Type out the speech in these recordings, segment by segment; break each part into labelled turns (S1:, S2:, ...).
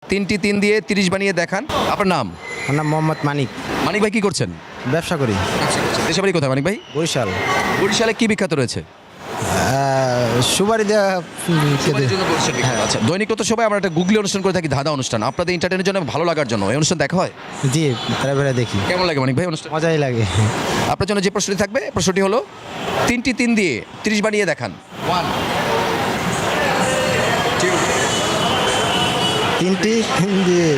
S1: তিনটি তিন দিয়ে 30 বানিয়ে দেখান। আপনার নাম?
S2: আমার নাম মোহাম্মদ মানিক,
S1: মানিক ভাই কি করছেন?
S2: ব্যবসা করি,
S1: দেশে বাড়ি কোথায় মানিক ভাই?
S2: বরিশাল।
S1: বরিশালে কি বিখ্যাত রয়েছে?
S2: সুবারি দেওয়া
S1: আচ্ছা, দৈনিক তো সবাই আমরা একটা গুগলি অনুষ্ঠান করে থাকি, ধাঁধা অনুষ্ঠান। আপনাদের এন্টারটেনের জন্য, ভালো লাগার জন্য এই অনুষ্ঠান দেখা হয়?
S2: জি, তারা বেড়ে দেখি,
S1: কেমন লাগে মানিক ভাই অনুষ্ঠান?
S2: মজাই লাগে।
S1: আপনার জন্য যে প্রশ্নটি থাকবে, প্রশ্নটি হলো তিনটি তিন দিয়ে 30 বানিয়ে দেখান। 1 2
S2: তিনটি দিয়ে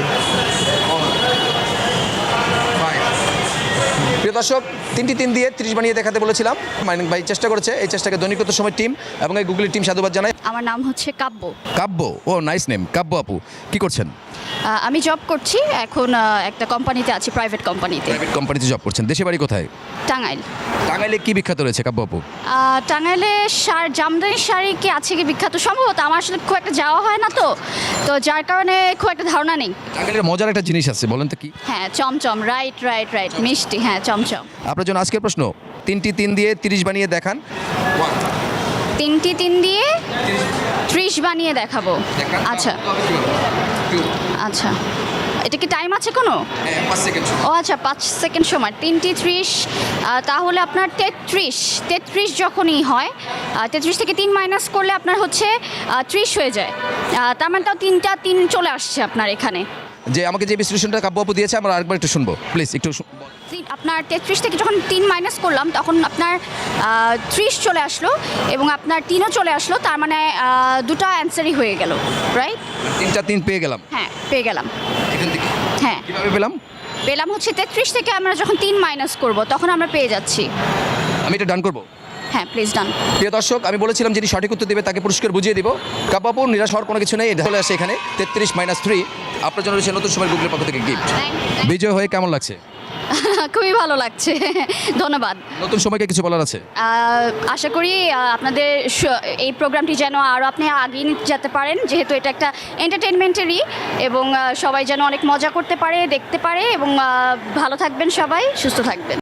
S1: 5। প্রিয় দর্শক, তিনটি তিন দিয়ে 30 বানিয়ে দেখাতে বলেছিলাম, মানিক ভাই চেষ্টা করেছে। এই চেষ্টাকে দৈনিক তো সময় টিম এবং এই গুগলি টিম সাধুবাদ জানায়।
S3: আমার নাম হচ্ছে কাব্য।
S1: কাব্য, ও নাইস নেম, কাব্য আপু। কি করছেন?
S3: আমি জব করছি এখন, একটা কোম্পানিতে আছি, প্রাইভেট কোম্পানিতে।
S1: প্রাইভেট কোম্পানিতে জব করছেন। দেশে বাড়ি কোথায়?
S3: টাঙ্গাইল।
S1: টাঙ্গাইলে কি বিখ্যাত রয়েছে কাব্য আপু?
S3: টাঙ্গাইলে জামদানি শাড়ি কি আছে কি বিখ্যাত? সম্ভবত আমার আসলে খুব একটা যাওয়া হয় না, তো তো যার কারণে খুব একটা ধারণা নেই।
S1: টাঙ্গাইলের মজার একটা জিনিস আছে, বলেন তো কি?
S3: হ্যাঁ, চমচম। রাইট রাইট রাইট, মিষ্টি। হ্যাঁ, চমচম।
S1: আপনার জন্য আজকের প্রশ্ন, তিনটি তিন দিয়ে 30 বানিয়ে দেখান। 1
S3: তিনটি তিন দিয়ে 30 বানিয়ে দেখাবো। আচ্ছা আচ্ছা, এটা কি টাইম আছে কোনো?
S1: 5 সেকেন্ড।
S3: ও আচ্ছা, 5 সেকেন্ড সময়। 3টি 30, তাহলে আপনার 33 যখনই হয়, 33 থেকে 3 মাইনাস করলে আপনার হচ্ছে 30 হয়ে যায়। তার মানে তাও 3টা 3 চলে আসছে আপনার এখানে।
S1: যে আমাকে যে বিশ্লেষণটা কাব্য আপু দিয়েছে, আমরা আরেকবার একটু শুনবো প্লিজ, একটু
S3: আপনার 33 থেকে যখন 3 মাইনাস করলাম, তখন আপনার 30 চলে আসলো এবং আপনার 3ও চলে আসলো। তার মানে দুটো অ্যান্সারই হয়ে গেল, রাইট?
S1: 3টা 3 পেয়ে গেলাম।
S3: হ্যাঁ, পেয়ে গেলাম।
S1: এখান থেকে
S3: হ্যাঁ,
S1: কিভাবে পেলাম?
S3: পেলাম হচ্ছে 33 থেকে আমরা যখন 3 মাইনাস করব, তখন আমরা পেয়ে যাচ্ছি।
S1: আমি এটা ডান করব।
S3: হ্যাঁ, প্লিজ ডান।
S1: প্রিয় দর্শক, আমি বলেছিলাম যিনি সঠিক উত্তর দেবে তাকে পুরস্কার বুঝিয়ে দিব। কাব্য আপু, নিরাশ হওয়ার কোনো কিছু নেই, এটা চলে আসে এখানে 33 - 3। আপনার জন্য রয়েছে নতুন সময় গুগলের পক্ষ থেকে গিফট। বিজয় হয়ে কেমন লাগছে?
S3: খুবই ভালো লাগছে, ধন্যবাদ।
S1: নতুন সময়কে কিছু বলার আছে?
S3: আশা করি আপনাদের এই প্রোগ্রামটি যেন আরও আপনি আগিয়ে নিতে যেতে পারেন, যেহেতু এটা একটা এন্টারটেনমেন্টেরই, এবং সবাই যেন অনেক মজা করতে পারে, দেখতে পারে, এবং ভালো থাকবেন, সবাই সুস্থ থাকবেন।